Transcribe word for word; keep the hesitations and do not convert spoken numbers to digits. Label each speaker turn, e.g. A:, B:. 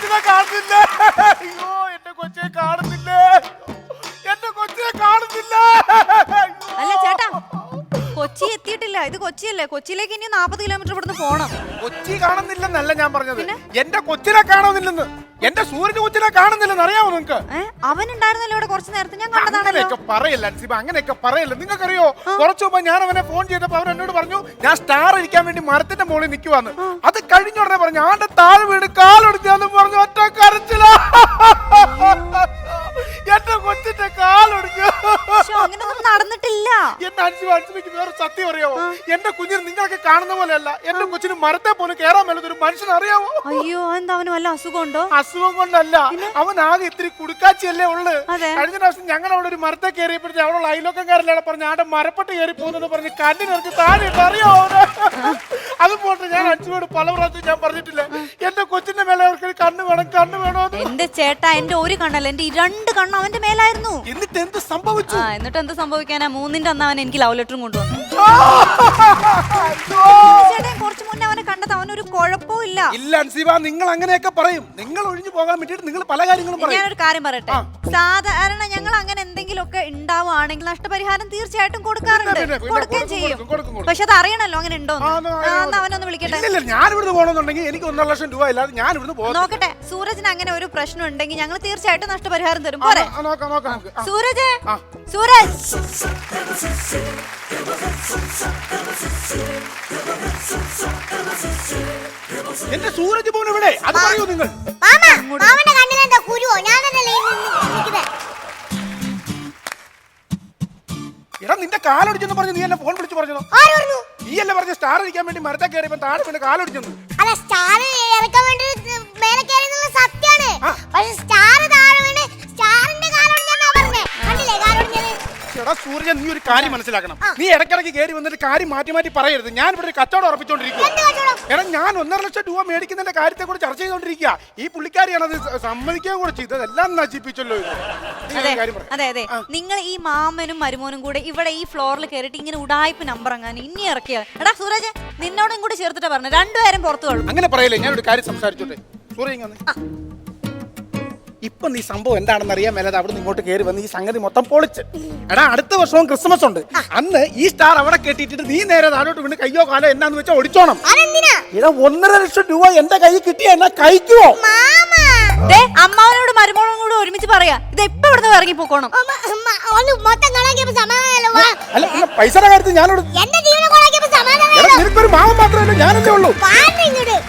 A: കൊച്ചിനെ കാണുന്നില്ല. അയ്യോ എന്റെ കൊച്ചിനെ കാണുന്നില്ല. എന്റെ കൊച്ചിനെ കാണുന്നില്ല.
B: അല്ല ചേട്ടാ, കൊച്ചി എത്തിയിട്ടില്ല. ഇത് കൊച്ചിയല്ലേ? കൊച്ചിയിലേക്ക് ഇനി നാപ്പത് കിലോമീറ്റർ ഇവിടുന്ന് പോണം.
A: കൊച്ചി കാണുന്നില്ലെന്നല്ല ഞാൻ പറഞ്ഞത്, എന്റെ കൊച്ചിനെ കാണുന്നില്ലെന്ന്. എന്റെ സൂര്യന്റെ കൊച്ചിനെ കാണുന്നില്ലെന്ന് അറിയാമോ നിങ്ങക്ക്?
B: അവൻ ഉണ്ടായിരുന്നല്ലോ ഇവിടെ കുറച്ച് നേരത്തെ, ഞാൻ കണ്ടതാണല്ലോ.
A: അങ്ങനെയൊക്കെ പറയല്ല അൻസിബ, അങ്ങനെയൊക്കെ പറയല്ല. നിങ്ങൾക്കറിയോ, കുറച്ചു മുമ്പ് ഞാൻ അവനെ ഫോൺ ചെയ്തപ്പോ അവൻ എന്നോട് പറഞ്ഞു ഞാൻ സ്റ്റാർ ഇരിക്കാൻ വേണ്ടി മരത്തിന്റെ മുകളിൽ നിൽക്കുവാന്ന്. അത് കഴിഞ്ഞ ഉടനെ പറഞ്ഞു ആണ്ട് താഴെ വീട് കാലൊടിച്ചാന്ന് പറഞ്ഞു. ഒറ്റ കരച്ചില. എന്റെ കൊച്ചിന്റെ കാലൊടിച്ചു.
B: അങ്ങനെയൊന്നും നടന്നിട്ടില്ല.
A: എന്റെ അൻസിബ, അൻസിബയ്ക്ക് വേറെ സത്യം അറിയാമോ? എന്റെ കുഞ്ഞിന് നിങ്ങളൊക്കെ കാണുന്ന പോലെയല്ല. എന്റെ കൊച്ചിന് മരത്തെ പോലും കയറാൻ മേലത് ഒരു മനുഷ്യൻ അറിയാമോ?
B: അയ്യോ, എന്താ അവന് വല്ല അസുഖമുണ്ടോ?
A: അസുഖം കൊണ്ടല്ല, അവൻ ആകെ ഇത്തിരി കുടുക്കാച്ചിയല്ലേ ഉള്ളു. കഴിഞ്ഞ പ്രാവശ്യം ഞങ്ങൾ അവിടെ ഒരു മരത്തെ കയറിയപ്പോഴത്തെ അവിടെ അയലോക്കാരല്ലാണ് പറഞ്ഞ ആടെ മരപ്പെട്ട് കയറി പോകുന്നെന്ന് പറഞ്ഞ് കണ്ണിനിറച്ച് താഴെ അറിയാമോ? അത് പോട്ടെ, ഞാൻ അച്ഛനോട് പല പ്രാവശ്യം ഞാൻ പറഞ്ഞിട്ടില്ല എന്റെ കൊച്ചിന്റെ മേലെ അവർക്ക് കണ്ണ് വേണം, കണ്ണ് വേണോ?
B: എന്റെ ചേട്ടാ, എന്റെ ഒരു കണ്ണല്ല, എന്റെ ഈ രണ്ട് കണ്ണ് അവന്റെ മേലായിരുന്നു.
A: എന്നിട്ട് എന്ത് സംഭവിച്ചു?
B: ആ, എന്നിട്ട് എന്ത് സംഭവിക്കാനാ? മൂന്നിന്റെ അന്ന് അവൻ എനിക്ക് ലവ് ലെറ്ററും കൊണ്ടുവന്നു. ചേട്ടാ, കുറച്ചു മുന്നേ അവനെ കണ്ടത് അവനൊരു കുഴപ്പവും ഇല്ല.
A: ഇല്ല അൻസിബ, നിങ്ങൾ അങ്ങനെയൊക്കെ പറയും. നിങ്ങൾ ഒഴിഞ്ഞു പോകാൻ വേണ്ടിട്ട് നിങ്ങൾ പല കാര്യങ്ങളും പറയും.
B: ഞാനൊരു കാര്യം പറയട്ടെ, സാധാരണ ഞങ്ങൾ അങ്ങനെ എന്തെങ്കിലുമൊക്കെ ഉണ്ടാവുകയാണെങ്കിൽ നഷ്ടപരിഹാരം തീർച്ചയായിട്ടും കൊടുക്കാറുണ്ട്, കൊടുക്കുകയും ചെയ്യും. പക്ഷെ അത് അറിയണല്ലോ അങ്ങനെ ഉണ്ടോ. അവനൊന്ന് വിളിക്കട്ടെ.
A: ഞാൻ ഇവിടുന്ന് പോകണമെന്നുണ്ടെങ്കിൽ എനിക്ക് ഒന്നര ലക്ഷം രൂപ ഇല്ലാതെ ഞാൻ ഇവിടുന്ന് പോകും.
B: നോക്കട്ടെ, സൂരജിന് അങ്ങനെ ഒരു പ്രശ്നം ഉണ്ടെങ്കിൽ ഞങ്ങൾ തീർച്ചയായിട്ടും നഷ്ടപരിഹാരം തരും. പോരെ സൂരജ്? സൂരജ്,
A: എന്റെ സൂരജ് പോണ് ഇവിടെ, അത് പറയൂ നിങ്ങൾ. എടാ, നിന്റെ കാലൊടിച്ചെന്ന് പറഞ്ഞു നീ എന്നെ ഫോൺ വിളിച്ചു പറഞ്ഞോ? നീ അല്ലേ പറഞ്ഞ സ്റ്റാർ ഇരിക്കാൻ വേണ്ടി മരത്തെ കയറിയപ്പോ താഴെ പിന്നെ കാലൊടിച്ചെന്ന്?
C: അല്ല, സ്റ്റാർ ഇറക്കാൻ വേണ്ടി മേലെ കയറിയെന്നുള്ള സത്യാണ്. പക്ഷെ സ്റ്റാർ താഴെ വീണ് സ്റ്റാറിന്റെ കാലൊടിഞ്ഞാ പറഞ്ഞേ. കണ്ടില്ലേ കാലൊടിഞ്ഞത്?
A: എടാ സൂര്യ, നീ ഒരു കാര്യം മനസ്സിലാക്കണം. നീ ഇടയ്ക്കിടയ്ക്ക് കയറി വന്നിട്ട് കാര്യം മാറ്റി മാറ്റി പറയരുത്. ഞാൻ ഇവിടെ ഒരു കച്ചവടം ഉറപ്പിച്ചോണ്ടിരിക്കുക. എടാ, ഞാൻ ഒന്നര ലക്ഷം രൂപ മേടിക്കുന്നതിന്റെ കാര്യത്തെ കൂടെ ചർച്ച ചെയ്തോണ്ടിരിക്കുക. ഈ പുള്ളിക്കാരിയാണ് അത് സമ്മതിക്കാൻ കൂടെ ചെയ്തത്. എല്ലാം നശിപ്പിച്ചല്ലോ ഇത്.
B: അതെ അതെ, നിങ്ങൾ ഈ മാമനും മരുമോനും കൂടെ ഇവിടെ ഈ ഫ്ലോറിൽ കയറിയിട്ട് ഇങ്ങനെ ഉടായ്പ നമ്പർ അങ്ങനെ ഇനി ഇറക്കിയ. എടാ സൂരജ്, നിന്നോടും കൂടി ചേർത്തിട്ടാ പറഞ്ഞു, രണ്ടുപേരും പുറത്തു കളു.
A: അങ്ങനെ പറയല്ലേ, ഞാനൊരു കാര്യം സംസാരിച്ചോട്ടെ. സൂര്യ, ഇപ്പൊ നീ സംഭവം എന്താണെന്ന് അറിയാൻ മേലത് അവിടെ നിന്ന് ഇങ്ങോട്ട് കയറി വന്ന് ഈ സംഗതി മൊത്തം പൊളിച്ച്. എടാ, അടുത്ത വർഷവും ക്രിസ്മസ് ഉണ്ട്. അന്ന് ഈ സ്റ്റാർ അവിടെ കെട്ടിയിട്ട് നീ നേരെ താഴോട്ട് വീണ് കയ്യോ കാലോ എന്നാന്ന് വെച്ചാൽ ഒടിച്ചോണം. ഇതാ ഒന്നര ലക്ഷം രൂപ എന്റെ കൈ കിട്ടിയ എന്നാ കഴിക്കുവോ?
B: അമ്മാവനോട് മരുമോളും കൂടെ ഒരുമിച്ച് പറയാ, ഇത് എപ്പോ ഇവിടുന്ന് ഇറങ്ങി പോക്കോണം.
A: അല്ല, പൈസയുടെ കാര്യത്തിൽ ഞാനോട് നിനക്കൊരു മാവൻ മാത്രമല്ല ഞാനല്ലേ ഉള്ളൂ.